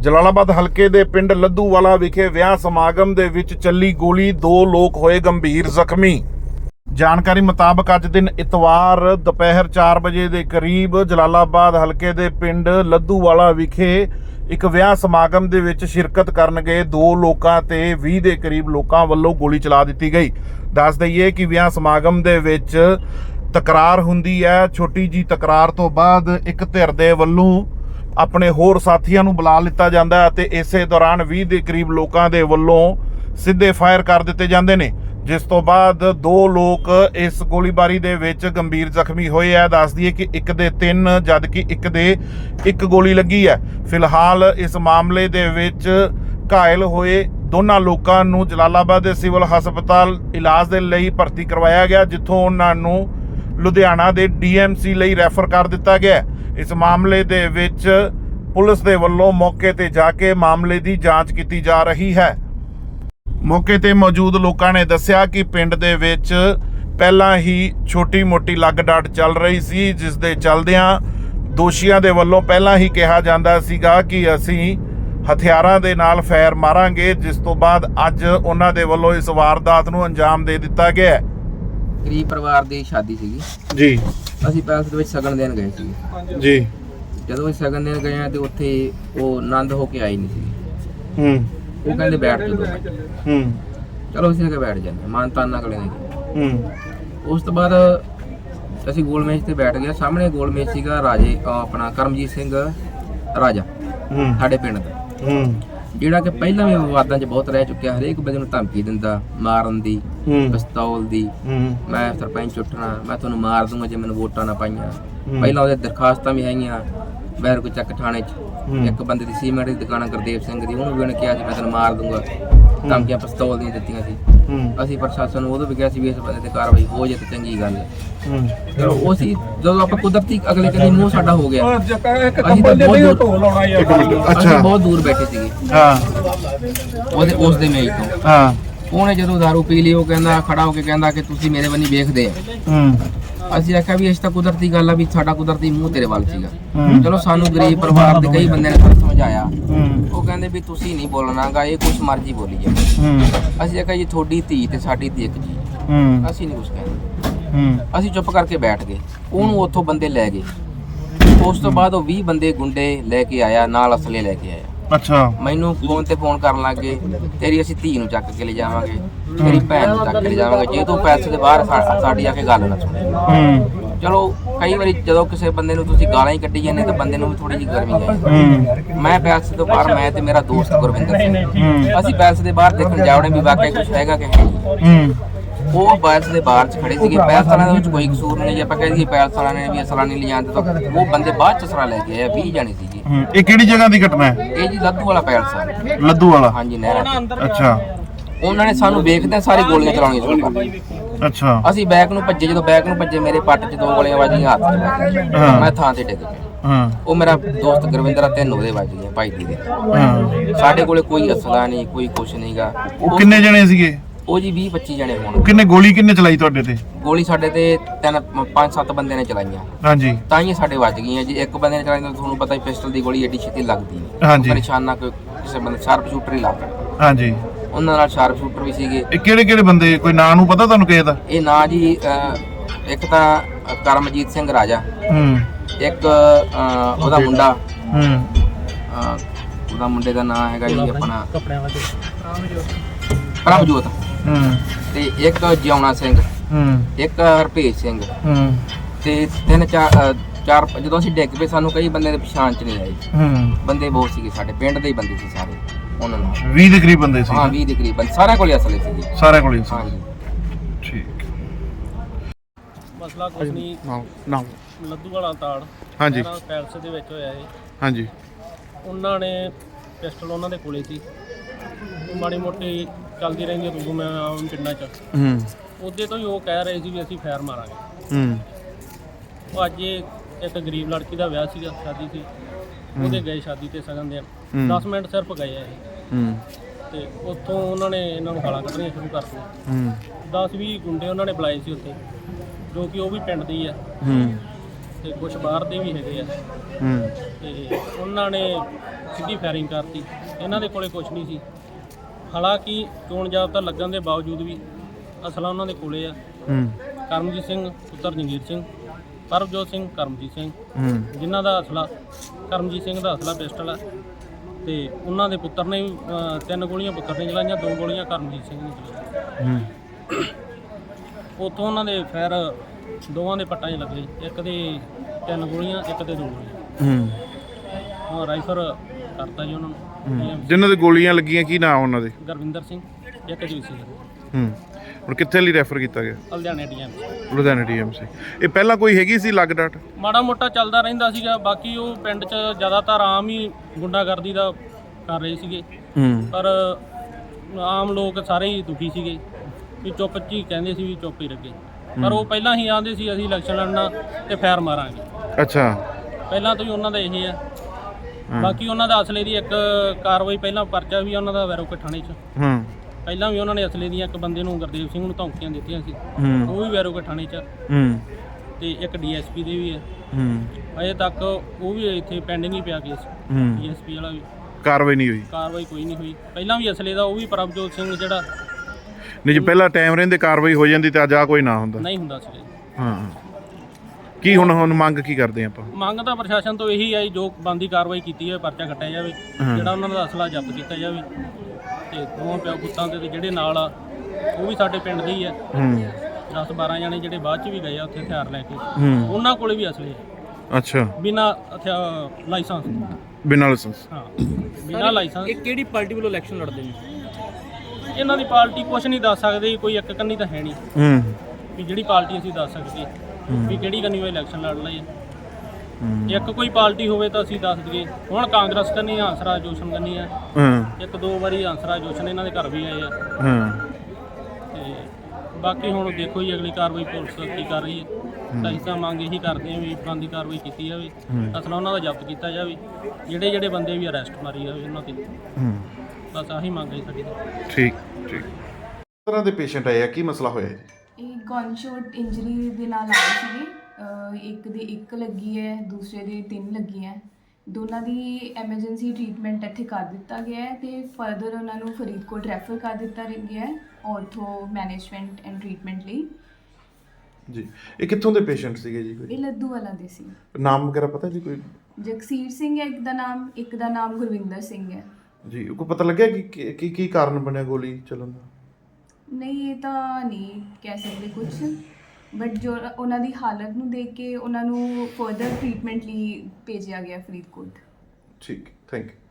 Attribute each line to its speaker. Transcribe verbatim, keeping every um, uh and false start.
Speaker 1: ਜਲਾਲਾਬਾਦ ਹਲਕੇ ਦੇ ਪਿੰਡ ਲੱਧੂਵਾਲਾ ਵਿਖੇ ਵਿਆਹ ਸਮਾਗਮ ਦੇ ਵਿੱਚ ਚੱਲੀ ਗੋਲੀ, ਦੋ ਲੋਕ ਹੋਏ ਗੰਭੀਰ ਜ਼ਖਮੀ। ਜਾਣਕਾਰੀ ਮੁਤਾਬਕ ਅੱਜ ਦਿਨ ਇਤਵਾਰ ਦੁਪਹਿਰ ਚਾਰ ਵਜੇ ਦੇ ਕਰੀਬ ਜਲਾਲਾਬਾਦ ਹਲਕੇ ਦੇ ਪਿੰਡ ਲੱਧੂਵਾਲਾ ਵਿਖੇ ਇੱਕ ਵਿਆਹ ਸਮਾਗਮ ਦੇ ਵਿੱਚ ਸ਼ਿਰਕਤ ਕਰਨ ਗਏ ਦੋ ਲੋਕਾਂ ਤੇ ਵੀਹ ਦੇ ਕਰੀਬ ਲੋਕਾਂ ਵੱਲੋਂ ਗੋਲੀ ਚਲਾ ਦਿੱਤੀ ਗਈ। ਦੱਸ ਦਈਏ ਕਿ ਵਿਆਹ ਸਮਾਗਮ ਦੇ ਵਿੱਚ ਤਕਰਾਰ ਹੁੰਦੀ ਹੈ। ਛੋਟੀ ਜੀ ਤਕਰਾਰ ਤੋਂ ਬਾਅਦ ਇੱਕ ਧਿਰ ਦੇ ਵੱਲੋਂ ਆਪਣੇ ਹੋਰ ਸਾਥੀਆਂ ਨੂੰ ਬੁਲਾ ਲਿੱਤਾ ਜਾਂਦਾ ਅਤੇ ਇਸੇ ਦੌਰਾਨ ਵੀਹ ਦੇ ਕਰੀਬ ਲੋਕਾਂ ਦੇ ਵੱਲੋਂ ਸਿੱਧੇ ਫਾਇਰ ਕਰ ਦਿੱਤੇ ਜਾਂਦੇ ਨੇ, ਜਿਸ ਤੋਂ ਬਾਅਦ ਦੋ ਲੋਕ ਇਸ ਗੋਲੀਬਾਰੀ ਦੇ ਵਿੱਚ ਗੰਭੀਰ ਜ਼ਖਮੀ ਹੋਏ ਆ। ਦੱਸ ਦਈਏ ਕਿ ਇੱਕ ਦੇ ਤਿੰਨ ਜਦਕਿ ਇੱਕ ਦੇ ਇੱਕ ਗੋਲੀ ਲੱਗੀ ਹੈ। ਫਿਲਹਾਲ ਇਸ ਮਾਮਲੇ ਦੇ ਵਿੱਚ ਘਾਇਲ ਹੋਏ ਦੋਨਾਂ ਲੋਕਾਂ ਨੂੰ ਜਲਾਲਾਬਾਦ ਦੇ ਸਿਵਲ ਹਸਪਤਾਲ ਇਲਾਜ ਦੇ ਲਈ ਭਰਤੀ ਕਰਵਾਇਆ ਗਿਆ, ਜਿੱਥੋਂ ਉਹਨਾਂ ਨੂੰ ਲੁਧਿਆਣਾ ਦੇ ਡੀ ਐਮ ਸੀ ਲਈ ਰੈਫਰ ਕਰ ਦਿੱਤਾ ਗਿਆ। ਇਸ ਮਾਮਲੇ ਦੇ ਵਿੱਚ ਪੁਲਿਸ ਦੇ ਵੱਲੋਂ ਮੌਕੇ ਤੇ ਜਾ ਕੇ ਮਾਮਲੇ ਦੀ ਜਾਂਚ ਕੀਤੀ ਜਾ ਰਹੀ ਹੈ। ਮੌਕੇ ਤੇ ਮੌਜੂਦ ਲੋਕਾਂ ਨੇ ਦੱਸਿਆ ਕਿ ਪਿੰਡ ਦੇ ਵਿੱਚ ਪਹਿਲਾਂ ਹੀ ਛੋਟੀ ਮੋਟੀ ਲੱਗ ਡਾਟ ਚੱਲ ਰਹੀ ਸੀ, ਜਿਸ ਦੇ ਚੱਲਦਿਆਂ ਦੋਸ਼ੀਆਂ ਦੇ ਵੱਲੋਂ ਪਹਿਲਾਂ ਹੀ ਕਿਹਾ ਜਾਂਦਾ ਸੀਗਾ ਕਿ ਅਸੀਂ ਹਥਿਆਰਾਂ ਦੇ ਨਾਲ ਫਾਇਰ ਮਾਰਾਂਗੇ, ਜਿਸ ਤੋਂ ਬਾਅਦ ਅੱਜ ਉਹਨਾਂ ਦੇ ਵੱਲੋਂ ਇਸ ਵਾਰਦਾਤ ਨੂੰ ਅੰਜਾਮ ਦੇ ਦਿੱਤਾ ਗਿਆ।
Speaker 2: ਗਰੀਬ ਪਰਿਵਾਰ ਦੀ ਸ਼ਾਦੀ ਸੀਗੀ
Speaker 1: ਜੀ।
Speaker 2: ਅਸੀਂ ਪੈਲਸ ਦੇ ਵਿੱਚ ਸ਼ਗਨ ਦੇਣ ਗਏ ਸੀ
Speaker 1: ਜੀ।
Speaker 2: ਜਦੋਂ ਅਸੀਂ ਸ਼ਗਨ ਦੇਣ ਗਏ ਆ ਤੇ ਉੱਥੇ ਉਹ ਆਨੰਦ ਹੋ ਕੇ ਆਈ ਨਹੀਂ ਸੀ।
Speaker 1: ਹੂੰ।
Speaker 2: ਉਹ ਕਹਿੰਦੇ ਬੈਠ ਜਾਓ।
Speaker 1: ਹੂੰ।
Speaker 2: ਚਲੋ ਅਸੀਂ ਕਿ ਬੈਠ ਜਾਂਦੇ, ਮਾਨ ਤਾਨਾ ਕੋਲੇ ਨਹੀਂ।
Speaker 1: ਹੂੰ।
Speaker 2: ਉਸ ਤੋਂ ਬਾਅਦ ਅਸੀਂ ਗੋਲ ਮੇਜ਼ ਤੇ ਬੈਠ ਗਏ। ਸਾਹਮਣੇ ਗੋਲ ਮੇਜ਼ ਸੀਗਾ ਰਾਜੇ ਆਪਣਾ ਕਰਮਜੀਤ ਸਿੰਘ ਰਾਜਾ ਸਾਡੇ ਪਿੰਡ ਦਾ,
Speaker 1: ਹੂੰ,
Speaker 2: ਜਿਹੜਾ ਕਿ ਪਹਿਲਾਂ ਵੀ ਵਿਵਾਦਾਂ 'ਚ ਬਹੁਤ ਰਹਿ ਚੁੱਕਿਆ। ਹਰੇਕ ਬੰਦੇ ਨੂੰ ਧਮਕੀ ਦਿੰਦਾ, ਮਾਰਨ ਦੀ, ਪਿਸਤੌਲ ਦੀ। ਮੈਂ ਸਰਪੰਚ ਉੱਠਣਾ, ਮੈਂ ਤੁਹਾਨੂੰ ਮਾਰ ਦੂੰਗਾ ਜੇ ਮੈਨੂੰ ਵੋਟਾਂ ਨਾ ਪਾਈਆਂ। ਪਹਿਲਾਂ ਉਹਦੇ ਦਰਖਾਸਤਾਂ ਵੀ ਹੈਗੀਆਂ ਬਹਿਰਕੋ ਚੱਕ ਥਾਣੇ 'ਚ। ਇੱਕ ਬੰਦੇ ਦੀ ਸੀਮੈਂਟ ਦੀ ਦੁਕਾਨ ਗੁਰਦੇਵ ਸਿੰਘ ਦੀ, ਉਹਨੂੰ ਵੀ ਉਹਨੇ ਕਿਹਾ ਸੀ ਮੈਂ ਤੈਨੂੰ ਮਾਰ ਦੂੰਗਾ, ਧਮਕੀਆਂ ਪਿਸਤੌਲ ਦੀਆਂ ਦਿੱਤੀਆਂ ਸੀ। ਅਸੀਂ ਪ੍ਰਸ਼ਾਸਨ ਨੂੰ ਉਦੋਂ ਵੀ ਕਿਹਾ ਸੀ ਵੀ ਇਸ ਬੰਦੇ ਤੇ ਕਾਰਵਾਈ ਹੋ ਜੇ ਤਾਂ ਚੰਗੀ ਗੱਲ ਹੈ। ਚਲੋ ਉਹ ਸੀ ਜਦੋਂ ਆਪਾਂ ਕੁਦਰਤੀ ਅਗਲੇ ਕਦੀ ਮੂੰਹ ਸਾਡਾ ਹੋ ਗਿਆ। ਅਸੀਂ ਤਾਂ ਬਹੁਤ ਦੂਰ ਅਸੀਂ ਬਹੁਤ ਦੂਰ ਬੈਠੇ ਸੀਗੇ ਉਹਦੇ ਉਸ ਦੇ ਮੇਜ਼ ਤੋਂ। ਉਹਨੇ ਜਦੋਂ ਦਾਰੂ ਪੀ ਲਈ, ਉਹ ਕਹਿੰਦਾ ਖੜਾ ਹੋ ਕੇ ਕਹਿੰਦਾ ਕਿ ਤੁਸੀਂ ਮੇਰੇ ਬੰਨੀ ਵੇਖਦੇ ਆ। ਅਸੀਂ ਆਖਿਆ ਵੀ ਇਸ ਤਾਂ ਕੁਦਰਤੀ ਗੱਲ ਆ ਵੀ ਸਾਡਾ ਕੁਦਰਤੀ ਮੂੰਹ ਤੇਰੇ ਵੱਲ ਸੀਗਾ। ਚਲੋ ਸਾਨੂੰ ਗਰੀਬ ਪਰਿਵਾਰ ਦੇ ਕਈ ਬੰਦਿਆਂ ਨੇ ਸਮਝਾਇਆ। ਉਹ ਕਹਿੰਦੇ ਵੀ ਤੁਸੀਂ ਨਹੀਂ ਬੋਲਣਾਗਾ, ਇਹ ਕੁਛ ਮਰਜ਼ੀ ਬੋਲੀ ਜਾਵੇ। ਅਸੀਂ ਆਖਿਆ ਜੀ ਤੁਹਾਡੀ ਧੀ ਤੇ ਸਾਡੀ ਧੀ ਇੱਕ ਜੀ, ਅਸੀਂ ਨਹੀਂ ਕੁਛ ਕਹਿੰਦੇ। ਅਸੀਂ ਚੁੱਪ ਕਰਕੇ ਬੈਠ ਗਏ। ਉਹਨੂੰ ਉੱਥੋਂ ਬੰਦੇ ਲੈ ਗਏ। ਉਸ ਤੋਂ ਬਾਅਦ ਉਹ ਵੀਹ ਬੰਦੇ ਗੁੰਡੇ ਲੈ ਕੇ ਆਇਆ, ਨਾਲ ਅਸਲੇ ਲੈ ਕੇ ਆਇਆ। ਅੱਛਾ। ਮੈਨੂੰ ਫੋਨ ਤੇ ਫੋਨ ਕਰਨ ਲੱਗ ਗਏ, ਤੇਰੀ ਅਸੀਂ ਧੀ ਨੂੰ ਚੱਕ ਕੇ ਲੈ ਜਾਵਾਂਗੇ, ਤੇਰੀ ਭੈਣ ਨੂੰ ਚੱਕ ਕੇ ਲੈ ਜਾਵਾਂਗੇ ਜੇ ਤੂੰ ਪੈਸੇ ਦੇ ਬਾਹਰ ਸਾਡੀ ਆ ਕੇ ਗੱਲ ਨਾ ਸੁਣੇ। ਚਲੋ ਕਈ ਵਾਰੀ ਜਦੋਂ ਕਿਸੇ ਬੰਦੇ ਨੂੰ ਤੁਸੀਂ ਗਾਲਾਂ ਹੀ ਕੱਢੀ ਜਾਂਦੇ ਤਾਂ ਬੰਦੇ ਨੂੰ ਵੀ ਥੋੜੀ ਜਿਹੀ ਗਰਮੀ ਆਈ। ਮੈਂ ਪੈਲਸ ਤੋਂ ਬਾਹਰ, ਮੈਂ ਤੇ ਮੇਰਾ ਦੋਸਤ ਗੁਰਵਿੰਦਰ ਸਿੰਘ, ਅਸੀਂ ਪੈਲਸ ਦੇ ਬਾਹਰ ਦੇਖਣ ਜਾਵੜੇ ਵੀ ਵਾਕਿਆ ਕੁਛ ਹੈਗਾ ਕਿ ਹੈ ਨਹੀਂ। ਉਹ ਪੈਲਸ ਦੇ ਬਾਹਰ ਚ ਖੜੇ ਸੀਗੇ। ਪੈਲਸ ਵਾਲਿਆਂ ਦੇ ਵਿੱਚ ਕੋਈ ਕਸੂਰ ਨਹੀਂ। ਜੇ ਆਪਾਂ ਕਹਿ ਦਈਏ ਪੈਲਸ ਵਾਲਿਆਂ ਨੇ ਵੀ ਅਸਲਾ ਨਹੀਂ ਲਿਜਾਣ ਦਿੱਤਾ, ਉਹ ਬੰਦੇ ਬਾਅਦ ਚ ਅਸਲਾ ਲੈ ਕੇ ਆਏ। ਵੀਹ ਜਾਣੇ ਸੀਗੇ।
Speaker 1: ਇਹ ਕਿਹੜੀ ਜਗ੍ਹਾ ਦੀ ਘਟਨਾ ਹੈ?
Speaker 2: ਇਹ ਜੀ ਲੱਧੂਵਾਲਾ ਪੈਲਸ ਆ।
Speaker 1: ਲੱਧੂਵਾਲਾ?
Speaker 2: ਹਾਂਜੀ, ਨਹਿਰ।
Speaker 1: ਅੱਛਾ। ਉਹਨਾਂ
Speaker 2: ਨੇ ਸਾਨੂੰ ਵੇਖਦੇ ਸਾਰੀ ਗੋਲੀਆਂ ਚਲਾਉਣੀਆਂ ਸ਼ੁਰੂ ਕਰ ਦਿੱਤੀਆਂ।
Speaker 1: ਅੱਛਾ।
Speaker 2: ਅਸੀਂ ਬੈਕ ਨੂੰ ਭੱਜੇ। ਜਦੋਂ ਬੈਕ ਨੂੰ ਭੱਜੇ, ਮੇਰੇ ਪੱਟ 'ਚ ਦੋ ਗੋਲੀਆਂ ਵੱਜੀਆਂ, ਹੱਥ 'ਚ। ਮੈਂ ਥਾਂ ਤੇ ਡਿੱਗ ਪਿਆ। ਉਹ ਮੇਰਾ ਦੋਸਤ ਗੁਰਵਿੰਦਰ ਆ, ਤਿੰਨ ਉਹਦੇ ਵੱਜ ਗਏ ਭਾਈ ਦੀ ਦੇ। ਸਾਡੇ ਕੋਲੇ ਕੋਈ ਅਸਲਾ ਨਹੀਂ, ਕੋਈ ਕੁਛ ਨਹੀਂਗਾ।
Speaker 1: ਉਹ ਕਿੰਨੇ ਜਣੇ ਸੀਗੇ?
Speaker 2: ਉਹ ਜੀ ਵੀਹ ਪੱਚੀ ਜਣੇ ਹੋਣ।
Speaker 1: ਕਿੰਨੇ ਗੋਲੀ ਕਿੰਨੇ ਚਲਾਈ ਤੁਹਾਡੇ ਤੇ? ਗੋਲੀ
Speaker 2: ਸਾਡੇ ਤੇ ਤਿੰਨ ਪੰਜ ਸੱਤ ਬੰਦਿਆਂ ਨੇ ਚਲਾਈਆਂ। ਹਾਂਜੀ। ਤਾਂ ਹੀ ਸਾਡੇ ਵੱਜ ਗਈਆਂ ਜੀ। ਇੱਕ ਬੰਦੇ ਨੇ ਚਲਾਈ ਤਾਂ ਤੁਹਾਨੂੰ ਪਤਾ ਹੀ ਪਿਸਟਲ ਦੀ ਗੋਲੀ ਏਡੀ ਛੇਤੀ ਲੱਗਦੀ ਹੈ। ਹਾਂਜੀ। ਨਿਸ਼ਾਨਾ ਕੋਈ ਕਿਸੇ ਬੰਦੇ ਸ਼ਾਰਪ ਸ਼ੂਟਰ ਹੀ ਲੱਗਦਾ। ਹਾਂਜੀ। ਉਹਨਾਂ ਨਾਲ ਸ਼ਾਰਪ ਸ਼ੂਟਰ ਵੀ ਸੀਗੇ। ਇਹ ਕਿਹੜੇ ਕਿਹੜੇ ਬੰਦੇ, ਕੋਈ ਨਾਂ ਨੂੰ ਪਤਾ ਤੁਹਾਨੂੰ ਕਿਸੇ ਦਾ? ਇਹ ਨਾਂ ਜੀ ਇੱਕ ਤਾਂ ਕਰਮਜੀਤ ਸਿੰਘ ਰਾਜਾ, ਇੱਕ ਉਹਦਾ ਮੁੰਡਾ, ਉਹਦਾ ਮੁੰਡੇ ਦਾ ਨਾਂ ਹੈਗਾ ਜੀ ਆਪਣਾ ਪ੍ਰਭਜੋਤ, ਤੇ ਇੱਕ ਜਿਉਣਾ ਸਿੰਘ, ਇੱਕ ਹਰਪੇਸ਼ ਸਿੰਘ, ਤੇ ਤਿੰਨ ਚਾਰ ਚਾਰ ਜਦੋਂ ਅਸੀਂ ਡਿੱਗ ਪਏ ਸਾਨੂੰ ਕਈ ਬੰਦੇ ਦੇ ਪਛਾਣ ਚ ਨਹੀਂ ਆਈ। ਬੰਦੇ ਬਹੁਤ ਸੀਗੇ, ਸਾਡੇ ਪਿੰਡ ਦੇ ਹੀ ਬੰਦੇ ਸੀ ਸਾਰੇ। ਉਹਨਾਂ ਨਾਲ ਵੀਹ ਦੇ ਕਰੀਬ ਬੰਦੇ ਸੀ। ਹਾਂ, ਵੀਹ ਦੇ ਕਰੀਬ ਬੰਦੇ, ਸਾਰਿਆਂ ਕੋਲ ਅਸਲੇ ਸੀਗੇ। ਸਾਰਿਆਂ ਕੋਲ? ਹਾਂਜੀ। ਠੀਕ। ਮਸਲਾ ਕੁਝ ਨਹੀਂ। ਨਾ ਲੱਧੂਵਾਲਾ ਤਾੜ, ਹਾਂਜੀ, ਪੈਲਸ ਦੇ ਵਿੱਚ ਹੋਇਆ ਇਹ। ਹਾਂਜੀ। ਉਹਨਾਂ ਨੇ ਪਿਸਟਲ ਉਹਨਾਂ ਦੇ ਕੋਲੇ ਸੀ। ਮਾੜੀ ਮੋਟੀ ਚੱਲਦੀ ਰਹਿੰਦੀ ਹੈ ਤੂੰ ਮੈਂ ਆਮ ਪਿੰਡਾਂ 'ਚ। ਹੂੰ। ਉਹਦੇ ਤੋਂ ਹੀ ਉਹ ਕਹਿ ਰਹੇ ਸੀ ਵੀ ਅਸੀਂ ਫਾਇਰ ਮਾਰਾਂਗੇ। ਹੂੰ। ਉਹ ਅੱਜ ਇੱਕ ਗਰੀਬ ਲੜਕੀ ਦਾ ਵਿਆਹ ਸੀਗਾ, ਸ਼ਾਦੀ ਸੀ, ਉਹਦੇ ਗਏ ਸ਼ਾਦੀ ਤੇ ਸ਼ਗਨ ਦੇਣ। ਦਸ ਮਿੰਟ ਸਿਰਫ ਗਏ ਆ ਇਹ। ਹੂੰ। ਤੇ ਉੱਥੋਂ ਉਹਨਾਂ ਨੇ ਇਹਨਾਂ ਨੂੰ ਗਾਲਾਂ ਕੱਢਣੀਆਂ ਸ਼ੁਰੂ ਕਰਤੀਆਂ। ਹੂੰ। ਦਸ ਵੀਹ ਗੁੰਡੇ ਉਹਨਾਂ ਨੇ ਬੁਲਾਏ ਸੀ ਉੱਥੇ, ਜੋ ਕਿ ਉਹ ਵੀ ਪਿੰਡ ਦੇ ਹੀ ਆ। ਹੂੰ।
Speaker 3: ਤੇ ਕੁਝ ਬਾਹਰ ਦੇ ਵੀ ਹੈਗੇ ਆ
Speaker 1: ਹੂੰ
Speaker 3: ਤੇ ਉਹਨਾਂ ਨੇ ਸਿੱਧੀ ਫਾਇਰਿੰਗ ਕਰਤੀ। ਇਹਨਾਂ ਦੇ ਕੋਲੇ ਕੁਝ ਨਹੀਂ ਸੀ, ਹਾਲਾਂਕਿ ਚੋਣ ਜਾਬਤਾ ਲੱਗਣ ਦੇ ਬਾਵਜੂਦ ਵੀ ਅਸਲਾ ਉਹਨਾਂ ਦੇ ਕੋਲੇ ਆ।
Speaker 1: ਹੂੰ
Speaker 3: ਕਰਮਜੀਤ ਸਿੰਘ ਪੁੱਤਰ ਜੰਗੀਰ ਸਿੰਘ, ਪਰਮਜੋਤ ਸਿੰਘ ਕਰਮਜੀਤ ਸਿੰਘ,
Speaker 1: ਹੂੰ
Speaker 3: ਜਿਨ੍ਹਾਂ ਦਾ ਅਸਲਾ ਕਰਮਜੀਤ ਸਿੰਘ ਦਾ ਅਸਲਾ ਪਿਸਟਲ ਆ ਤੇ ਉਹਨਾਂ ਦੇ ਪੁੱਤਰ ਨੇ ਵੀ, ਅਹ, ਤਿੰਨ ਗੋਲੀਆਂ ਪੁੱਤਰ ਨੇ ਚਲਾਈਆਂ, ਦੋ ਗੋਲੀਆਂ ਕਰਮਜੀਤ ਸਿੰਘ ਨੇ ਚਲਾਈਆਂ।
Speaker 1: ਹੂੰ
Speaker 3: ਉੱਥੋਂ ਉਹਨਾਂ ਦੇ ਫੈਰ ਦੋਵਾਂ ਦੇ ਪੱਟਾਂ 'ਚ ਲੱਗੇ, ਇੱਕ ਦੇ ਤਿੰਨ ਗੋਲੀਆਂ, ਇੱਕ ਦੇ ਦੋ ਗੋਲੀਆਂ।
Speaker 1: ਹੂੰ
Speaker 3: ਹਾਂ ਰਾਈਫਰ ਕਰਤਾ ਜੀ ਉਹਨਾਂ ਨੂੰ।
Speaker 1: ਜਿਨ੍ਹਾਂ ਦੇ ਗੋਲੀਆਂ ਲੱਗੀਆਂ ਕੀ ਨਾਮ ਉਹਨਾਂ ਦੇ?
Speaker 3: ਗੁਰਵਿੰਦਰ ਸਿੰਘ, ਇੱਕ ਜੀਸੀ
Speaker 1: ਹੂੰ ਹੁਣ ਕਿੱਥੇ ਲਈ ਰੈਫਰ ਕੀਤਾ ਗਿਆ?
Speaker 3: ਲੁਧਿਆਣੇ ਡੀਐਮ।
Speaker 1: ਲੁਧਿਆਣਾ ਡੀਐਮਸੀ। ਇਹ ਪਹਿਲਾਂ ਕੋਈ ਹੈਗੀ ਸੀ ਲੱਗ ਡਾਟ?
Speaker 3: ਮਾੜਾ ਮੋਟਾ ਚੱਲਦਾ ਰਹਿੰਦਾ ਸੀਗਾ, ਬਾਕੀ ਉਹ ਪਿੰਡ 'ਚ ਜ਼ਿਆਦਾਤਰ ਆਮ ਹੀ ਗੁੰਡਾਗਰਦੀ ਦਾ ਕਰ ਰਹੇ ਸੀਗੇ।
Speaker 1: ਹੂੰ
Speaker 3: ਪਰ ਆਮ ਲੋਕ ਸਾਰੇ ਹੀ ਦੁਖੀ ਸੀਗੇ ਵੀ ਚੁੱਪ ਚੀ ਕਹਿੰਦੇ ਸੀ ਵੀ ਚੁੱਪ ਹੀ ਲੱਗੇ। ਪਰ ਉਹ ਪਹਿਲਾਂ ਹੀ ਆਂਦੇ ਸੀ ਅਸੀਂ ਇਲੈਕਸ਼ਨ ਲੜਨਾ ਤੇ ਫੈਰ ਮਾਰਾਂਗੇ।
Speaker 1: ਅੱਛਾ।
Speaker 3: ਪਹਿਲਾਂ ਤੋਂ ਹੀ ਉਹਨਾਂ ਦਾ ਇਹ ਆ। ਬਾਕੀ ਉਹਨਾਂ ਦਾ ਅਸਲੇ ਦੀ ਇੱਕ ਕਾਰਵਾਈ ਪਹਿਲਾਂ ਪਰਚਾ ਵੀ ਉਹਨਾਂ ਦਾ ਵੈਰੋਕੇ ਥਾਣੇ 'ਚ
Speaker 1: ਹੂੰ
Speaker 3: ਪਹਿਲਾਂ ਵੀ ਉਹਨਾਂ ਨੇ ਅਸਲੇ ਦੀਆਂ ਇੱਕ ਬੰਦੇ ਨੂੰ ਗੁਰਦੇਵ ਸਿੰਘ ਨੂੰ ਧਮਕੀਆਂ ਦਿੱਤੀਆਂ ਸੀ,
Speaker 1: ਹੂੰ
Speaker 3: ਉਹ ਵੀ ਵੈਰੋਕੇ ਥਾਣੇ 'ਚ।
Speaker 1: ਹੂੰ
Speaker 3: ਤੇ ਇੱਕ ਡੀਐਸਪੀ ਦੇ ਵੀ ਹੈ,
Speaker 1: ਹੂੰ
Speaker 3: ਅਜੇ ਤੱਕ ਉਹ ਵੀ ਇੱਥੇ ਪੈਂਡਿੰਗ ਹੀ ਪਿਆ ਕੇਸ।
Speaker 1: ਹੂੰ
Speaker 3: ਡੀਐਸਪੀ ਵਾਲਾ ਵੀ
Speaker 1: ਕਾਰਵਾਈ ਨਹੀਂ ਹੋਈ?
Speaker 3: ਕਾਰਵਾਈ ਕੋਈ ਨਹੀਂ ਹੋਈ। ਪਹਿਲਾਂ ਵੀ ਅਸਲੇ ਦਾ ਉਹ ਵੀ ਪ੍ਰਭਜੋਤ ਸਿੰਘ ਜਿਹੜਾ
Speaker 1: ਨਹੀਂ, ਜੇ ਪਹਿਲਾਂ ਟਾਈਮ ਰਹਿੰਦੇ ਕਾਰਵਾਈ ਹੋ ਜਾਂਦੀ ਤਾਂ ਅੱਜ ਆ ਕੋਈ ਨਾ ਹੁੰਦਾ।
Speaker 3: ਨਹੀਂ ਹੁੰਦਾ ਸੀ।
Speaker 1: ਹਾਂ ਕੀ ਹੁਣ ਹੁਣ ਮੰਗ ਕੀ ਕਰਦੇ ਆਪਾਂ?
Speaker 3: ਮੰਗ ਤਾਂ ਪ੍ਰਸ਼ਾਸਨ ਤੋਂ ਇਹੀ ਹੈ ਜੋ ਬੰਦੀ ਕਾਰਵਾਈ ਕੀਤੀ ਹੈ, ਪਰਚਾ ਕੱਟਿਆ ਜਾਵੇ, ਜਿਹੜਾ ਉਹਨਾਂ ਦਾ ਅਸਲਾ ਜ਼ਬਤ ਕੀਤਾ ਜਾਵੇ ਤੇ ਦੋਵਾਂ ਪਿਓ ਪੁੱਤਾਂ ਦੇ ਤੇ ਜਿਹੜੇ ਨਾਲ ਆ ਉਹ ਵੀ ਸਾਡੇ ਪਿੰਡ ਦੇ ਹੀ ਆ।
Speaker 1: ਹੂੰ
Speaker 3: ਦਸ ਬਾਰਾਂ ਜਣੇ ਜਿਹੜੇ ਬਾਅਦ ਚ ਵੀ ਗਏ ਆ ਉੱਥੇ ਹਥਿਆਰ ਲੈ ਕੇ,
Speaker 1: ਹੂੰ
Speaker 3: ਉਹਨਾਂ ਕੋਲੇ ਵੀ ਅਸਲੇ ਆ
Speaker 1: ਅੱਛਾ।
Speaker 3: ਬਿਨਾਂ ਹਥਿਆਰ ਲਾਇਸੈਂਸ।
Speaker 1: ਬਿਨਾਂ ਲਾਇਸੈਂਸ?
Speaker 3: ਹਾਂ ਬਿਨਾਂ ਲਾਇਸੈਂਸ।
Speaker 2: ਇਹ ਕਿਹੜੀ ਪਾਰਟੀ ਵੱਲੋਂ ਇਲੈਕਸ਼ਨ ਲੜਦੇ ਨੇ?
Speaker 3: ਇਹਨਾਂ ਦੀ ਪਾਰਟੀ ਕੁਝ ਨਹੀਂ ਦੱਸ ਸਕਦੇ, ਕੋਈ ਇੱਕ ਕੰਨੀ ਤਾਂ ਹੈ ਨਹੀਂ
Speaker 1: ਹੂੰ
Speaker 3: ਵੀ ਜਿਹੜੀ ਪਾਰਟੀ ਅਸੀਂ ਦੱਸ ਸਕੀਏ ਵੀ ਕਿਹੜੀ ਕੰਨੀ ਉਹ ਇਲੈਕਸ਼ਨ ਲੜ ਲਈ ਹੈ।
Speaker 1: ਹੂੰ
Speaker 3: ਇੱਕ ਕੋਈ ਪਾਰਟੀ ਹੋਵੇ ਤਾਂ ਅਸੀਂ ਦੱਸ ਦਈਏ। ਹੁਣ ਕਾਂਗਰਸ ਕੰਨੀ ਹੰਸਰਾਜ ਜੋਸ਼ਨ ਕੰਨੀ ਆ,
Speaker 1: ਹਾਂ
Speaker 3: ਇੱਕ ਦੋ ਵਾਰੀ ਹੰਸਰਾਜ ਜੋਸ਼ਨ ਇਹਨਾਂ ਦੇ ਘਰ ਵੀ ਆਏ ਆ।
Speaker 1: ਹਾਂ
Speaker 3: ਤੇ ਬਾਕੀ ਹੁਣ ਦੇਖੋ ਜੀ ਅਗਲੀ ਕਾਰਵਾਈ ਪੁਲਿਸ ਕੀ ਕਰ ਰਹੀ ਹੈ। ਤਾਂ ਅਸੀਂ ਤਾਂ ਮੰਗ ਇਹੀ ਕਰਦੇ ਹਾਂ ਵੀ ਬੰਦੀ ਕਾਰਵਾਈ ਕੀਤੀ ਜਾਵੇ, ਅਸਲਾ ਉਹਨਾਂ ਦਾ ਜ਼ਬਤ ਕੀਤਾ ਜਾਵੇ, ਜਿਹੜੇ ਜਿਹੜੇ ਬੰਦੇ ਵੀ ਅਰੈਸਟ ਮਾਰੀ ਜਾਵੇ ਉਹਨਾਂ ਤੇ।
Speaker 1: ਹੂੰ
Speaker 3: ਬਸ ਆਹੀ ਮੰਗ ਹੈ ਸਾਡੀ।
Speaker 1: ਠੀਕ ਠੀਕ। ਕਿਸ ਤਰ੍ਹਾਂ ਦੇ ਪੇਸ਼ੈਂਟ ਆਏ ਆ, ਕੀ ਮਸਲਾ ਹੋਇਆ ਜੀ?
Speaker 4: ਇਹ ਗਨਸ਼ਾਟ ਇੰਜਰੀ ਦੇ ਨਾਲ ਆਏ ਸੀਗੇ। ਅਹ ਇੱਕ ਦੇ ਇੱਕ ਲੱਗੀ ਹੈ, ਦੂਸਰੇ ਦੇ ਤਿੰਨ ਲੱਗੀਆਂ। ਦੋਨਾਂ ਦੀ ਐਮਰਜੈਂਸੀ ਟ੍ਰੀਟਮੈਂਟ ਇੱਥੇ ਕਰ ਦਿੱਤਾ ਗਿਆ ਹੈ ਤੇ ਫਰਦਰ ਉਹਨਾਂ ਨੂੰ ਫਰੀਦਕੋਟ ਰੈਫਰ ਕਰ ਦਿੱਤਾ ਗਿਆ ਹੈ ਆਰਥੋ ਮੈਨੇਜਮੈਂਟ ਐਂਡ ਟ੍ਰੀਟਮੈਂਟ ਲਈ।
Speaker 1: ਜੀ ਇਹ ਕਿੱਥੋਂ ਦੇ ਪੇਸ਼ੈਂਟ ਸੀਗੇ ਜੀ? ਕੋਈ
Speaker 4: ਇਹ ਲੱਦੂ ਵਾਲਾ ਦੇ ਸੀ।
Speaker 1: ਨਾਮ ਵਗੈਰਾ ਪਤਾ ਜੀ ਕੋਈ?
Speaker 4: ਜਗਸੀਰ ਸਿੰਘ ਹੈ ਇੱਕ ਦਾ ਨਾਮ, ਇੱਕ ਦਾ ਨਾਮ ਗੁਰਵਿੰਦਰ ਸਿੰਘ ਹੈ।
Speaker 1: ਜੀ ਕੋਈ ਪਤਾ ਲੱਗਿਆ ਕਿ ਕੀ- ਕੀ ਕੀ ਕਾਰਨ ਬਣਿਆ ਗੋਲੀ ਚੱਲਣ ਦਾ?
Speaker 4: ਨਹੀਂ ਇਹ ਤਾਂ ਨਹੀਂ ਕਹਿ ਸਕਦੇ ਕੁਝ, ਬਟ ਜੋ ਉਹਨਾਂ ਦੀ ਹਾਲਤ ਨੂੰ ਦੇਖ ਕੇ ਉਹਨਾਂ ਨੂੰ ਫਰਦਰ ਟ੍ਰੀਟਮੈਂਟ ਲਈ ਭੇਜਿਆ ਗਿਆ ਫਰੀਦਕੋਟ।
Speaker 1: ਠੀਕ, ਥੈਂਕ ਯੂ।